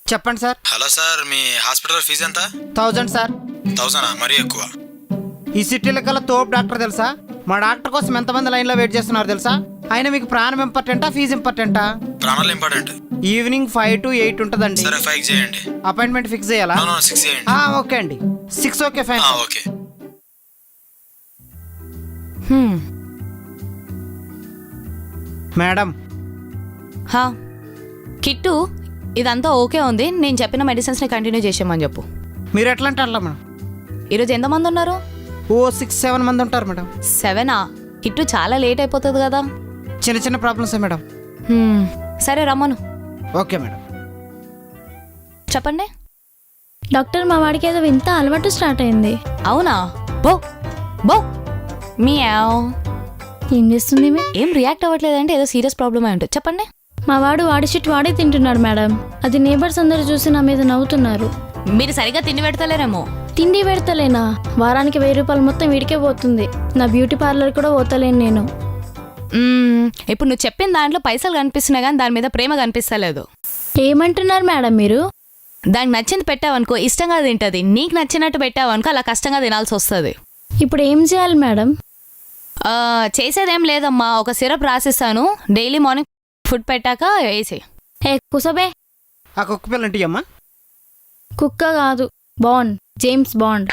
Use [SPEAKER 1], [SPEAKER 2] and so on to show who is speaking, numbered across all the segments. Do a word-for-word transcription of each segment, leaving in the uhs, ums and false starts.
[SPEAKER 1] చెప్పండి sir.
[SPEAKER 2] Hello sir, మీ hospital fees ఎంత?
[SPEAKER 1] Thousand sir.
[SPEAKER 2] థౌజండా? మరీ ఎక్కువ.
[SPEAKER 1] ఈ సిటీలో కల్లా తోపు డాక్టర్ తెలుసా? మా డాక్టర్ కోసం ఎంతమంది లైన్లో వెయిట్ చేస్తున్నారు తెలుసా? అయినా మీకు ప్రాణం ఇంపార్టెంటా ఫీజు ఇంపార్టెంటా?
[SPEAKER 2] ప్రాణాలు important.
[SPEAKER 1] Evening five to eight ఉంటుందండి.
[SPEAKER 2] సరే ఫైవ్ చేయండి.
[SPEAKER 1] అపాయింట్మెంట్ ఫిక్స్ చేయాలా?
[SPEAKER 2] సిక్స్ చేయండి.
[SPEAKER 1] ఓకే అండి, six okay fine.
[SPEAKER 2] Okay.
[SPEAKER 1] Madam.
[SPEAKER 3] హా కిట్టు, ఇదంతా ఓకే ఉంది. నేను చెప్పిన మెడిసిన్స్ని కంటిన్యూ చేసేయమని చెప్పు.
[SPEAKER 1] మీరు ఎట్లా అంటే అట్లా మేడం.
[SPEAKER 3] ఈరోజు ఎంతమంది ఉన్నారు?
[SPEAKER 1] ఓ సిక్స్ సెవెన్ మంది ఉంటారు మేడం.
[SPEAKER 3] సెవెనా? కిట్టు చాలా లేట్ అయిపోతుంది కదా.
[SPEAKER 1] చిన్న చిన్న ప్రాబ్లమ్స్ మేడం.
[SPEAKER 3] సరే రమ్మను.
[SPEAKER 1] Okay madam.
[SPEAKER 3] చెప్పండి
[SPEAKER 4] డాక్టర్. మా వాడికి ఏదో వింత అలవాటు స్టార్ట్ అయింది.
[SPEAKER 3] అవునా? బో బో మియావ్.
[SPEAKER 4] ఏం చేస్తుంది?
[SPEAKER 3] ఏం రియాక్ట్ అవ్వట్లేదంటే ఏదో సీరియస్ ప్రాబ్లమ్ అయి ఉంటుంది. చెప్పండి.
[SPEAKER 4] మా వాడు వాడి షిట్ వాడే తింటున్నాడు మేడం. అది నేబర్స్ అందరు చూసి నా మీద నవ్వుతున్నారు.
[SPEAKER 3] మీరు సరిగా తిండి పెడతలేరేమో.
[SPEAKER 4] తిండి పెడతలేనా? వారానికి వెయ్యి రూపాయలు మొత్తం వీడికే పోతుంది. నా బ్యూటీ పార్లర్ కూడా పోతలేను నేను.
[SPEAKER 3] ఇప్పుడు నువ్వు చెప్పిన దాంట్లో పైసలు కనిపిస్తున్నాయి కానీ దాని మీద ప్రేమ కనిపిస్తలేదు.
[SPEAKER 4] ఏమంటున్నారు మేడం మీరు?
[SPEAKER 3] దానికి నచ్చింది పెట్టావనుకో ఇష్టంగా తింటది. నీకు నచ్చినట్టు పెట్టావనుకో అలా కష్టంగా తినాల్సి వస్తుంది.
[SPEAKER 4] ఇప్పుడు ఏం చేయాలి మేడం?
[SPEAKER 3] చేసేదేం లేదమ్మా, ఒక సిరప్ రాసిస్తాను. డైలీ మార్నింగ్ ఫుడ్ పెట్టాక వేసి.
[SPEAKER 4] ఏ కుసబే.
[SPEAKER 1] ఆ కుక్క పిల్లంటి అమ్మా.
[SPEAKER 4] కుక్క కాదు, బాండ్. James bond.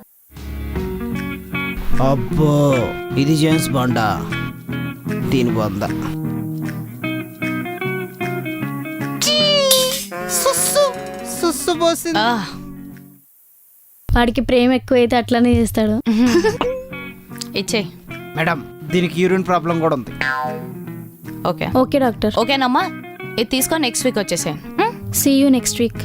[SPEAKER 5] అబ్బో, ఇది జేమ్స్ బాండా? దీని బాందా?
[SPEAKER 4] వాడికి ప్రేమ ఎక్కువైతే అట్లనే చేస్తాడు.
[SPEAKER 3] ఇచ్చే
[SPEAKER 1] మేడం, దీనికి యూరిన్ ప్రాబ్లం కూడా ఉంది.
[SPEAKER 3] Okay
[SPEAKER 4] okay doctor.
[SPEAKER 3] ఓకేనమ్మా, ఇది తీసుకొని నెక్స్ట్ వీక్ వచ్చేసే.
[SPEAKER 4] See you next week.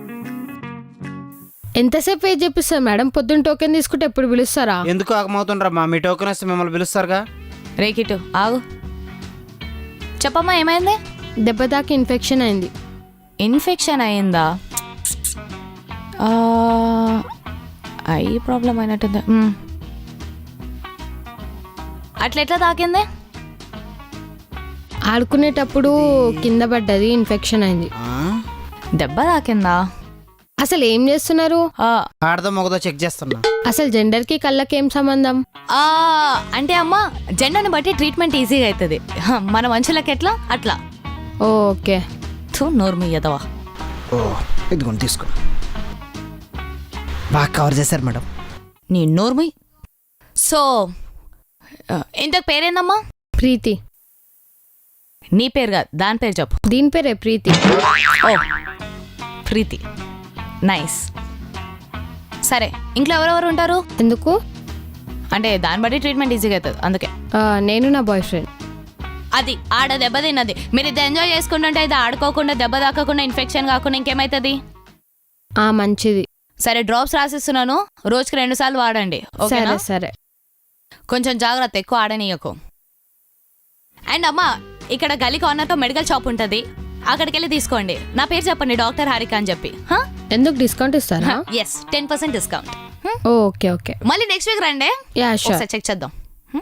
[SPEAKER 6] ఎంతసేపు వెయిట్ చేపిస్తారు మేడం? పొద్దున్న టోకెన్ తీసుకుంటే ఎప్పుడు పిలుస్తారా?
[SPEAKER 1] ఎందుకు ఆగమవుతుండ్రమ్మా? మీ టోకెన్ వస్తే మిమ్మల్ని పిలుస్తారుగా.
[SPEAKER 3] రేకిటు ఆగు. చెప్పమ్మా, ఏమైంది?
[SPEAKER 6] దెబ్బ దాకా ఇన్ఫెక్షన్ అయింది.
[SPEAKER 3] ఇన్ఫెక్షన్ అయిందా? ఐ ప్రాబ్లం అయినట్టుంది. అట్లా ఎట్లా తాకింది?
[SPEAKER 6] ఆడుకునేటప్పుడు కింద పడ్డది, ఇన్ఫెక్షన్ అయింది.
[SPEAKER 3] దెబ్బ తాకిందా?
[SPEAKER 6] అసలు ఏం చేస్తున్నారు?
[SPEAKER 1] ఆడదో మొగదో చెక్ చేస్తున్నా.
[SPEAKER 6] అసలు జెండర్ కి కళ్ళకి ఏం సంబంధం?
[SPEAKER 3] అంటే అమ్మా, జెండర్ని బట్టి ట్రీట్మెంట్ ఈజీగా అవుతుంది. మన మనుషులకి ఎట్లా అట్లా.
[SPEAKER 6] ఓకే.
[SPEAKER 3] నోర్మి ఎదవా.
[SPEAKER 1] ఓ ఇదిగోండి తీసుకో. బాగా కవర్ చేశారు మేడం.
[SPEAKER 3] నీ నోర్మి. సో ఇంతకు పేరేందమ్మా?
[SPEAKER 6] ప్రీతి.
[SPEAKER 3] నీ పేరు కాదు, దాని పేరు చెప్పు.
[SPEAKER 6] దీని పేరే ప్రీతి.
[SPEAKER 3] ఓ ప్రీతి, నైస్. సరే, ఇంట్లో ఎవరెవరు ఉంటారు?
[SPEAKER 6] ఎందుకు?
[SPEAKER 3] అంటే దాన్ని బట్టి ట్రీట్మెంట్ ఈజీగా అవుతుంది అందుకే.
[SPEAKER 6] నేను నా బాయ్ ఫ్రెండ్.
[SPEAKER 3] అది ఆడ దెబ్బ తిన్నది. మీరు ఇది ఎంజాయ్ చేసుకుంటుంటే ఇది ఆడుకోకుండా దెబ్బ తాకకుండా ఇన్ఫెక్షన్ కాకుండా ఇంకేమవుతుంది?
[SPEAKER 6] ఆ మంచిది.
[SPEAKER 3] సరే, డ్రాప్స్ రాసిస్తున్నాను, రోజుకి రెండు సార్లు వాడండి.
[SPEAKER 6] సరే సరే.
[SPEAKER 3] కొంచెం జాగ్రత్త, ఎక్కువ ఆడనీయకు. అండ్ అమ్మా, ఇక్కడ గలీ కార్నర్తో మెడికల్ షాప్ ఉంటుంది, అక్కడికి వెళ్ళి తీసుకోండి. నా పేరు చెప్పండి, డాక్టర్ హారిక అని చెప్పి.
[SPEAKER 6] ఎందుకు డిస్కౌంట్ ఇస్తారా?
[SPEAKER 3] Yes, ten percent discount.
[SPEAKER 6] Okay okay.
[SPEAKER 3] మళ్ళీ నెక్స్ట్ వీక్ రండి, చెక్ చేద్దాం.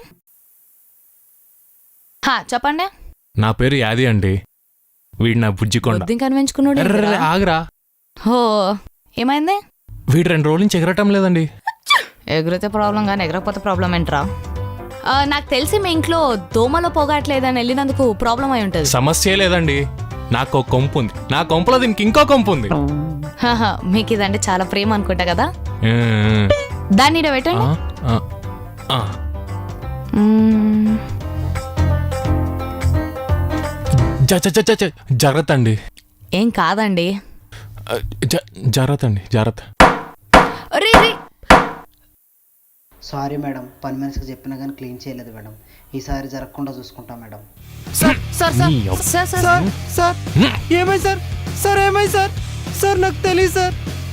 [SPEAKER 3] చెప్పండి.
[SPEAKER 7] నా పేరు యాది అండి. వీడు నా బుజ్జికొండ.
[SPEAKER 3] కనిపించుకున్నాడు.
[SPEAKER 7] ఆగరా.
[SPEAKER 3] ఓ ఏమైంది?
[SPEAKER 7] వీడు రెండు రోజుల నుంచి ఎగరటం లేదండి.
[SPEAKER 3] ఎగిరితే ప్రాబ్లం కానీ ఎగరకపోతే ప్రాబ్లం ఏంట్రా? నాకు తెలిసి మీ ఇంట్లో దోమలో పోగట్లేదని వెళ్ళినందుకు ప్రాబ్లం అయి ఉంటుంది.
[SPEAKER 7] సమస్య లేదండి, నాకు ఒక కొంపు ఉంది. నా కొంపలో దీనికి ఇంకో కొంపు ఉంది.
[SPEAKER 3] మీకు ఇదంటే చాలా ప్రేమ అనుకుంటా కదా. దాన్ని ఈడ పెట్టండి.
[SPEAKER 7] జాగ్రత్త అండి.
[SPEAKER 3] ఏం కాదండి.
[SPEAKER 7] జాగ్రత్త అండి, జాగ్రత్త.
[SPEAKER 5] సారీ మేడం, పని మనిషికి చెప్పినా కానీ క్లీన్ చేయలేదు మేడం. ఈసారి జరగకుండా చూసుకుంటా madam.
[SPEAKER 1] Sir sir sir sir sir ఏమై సార్ సార్ ఏమై సార్ సార్ నాకు తెలియదు సార్.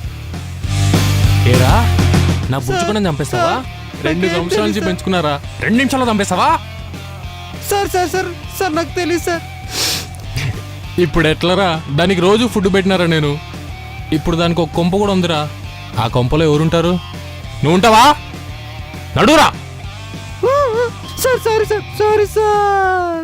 [SPEAKER 7] ఏరా, నా బుజ్జుకుండా చంపేస్తావా? రెండు సంవత్సరాల నుంచి పెంచుకున్నారా, రెండు నిమిషాల్లో చంపేస్తావా?
[SPEAKER 1] సార్ సార్ సార్ సార్ నాకు తెలియదు సార్.
[SPEAKER 7] ఇప్పుడు ఎట్లరా? దానికి రోజు ఫుడ్ పెట్టినారా నేను. ఇప్పుడు దానికి ఒక కొంప కూడా ఉందిరా. ఆ కొంపలో ఎవరుంటారు? నువ్వు ఉంటావా? నడురా.
[SPEAKER 1] Sir sorry sir sorry sir.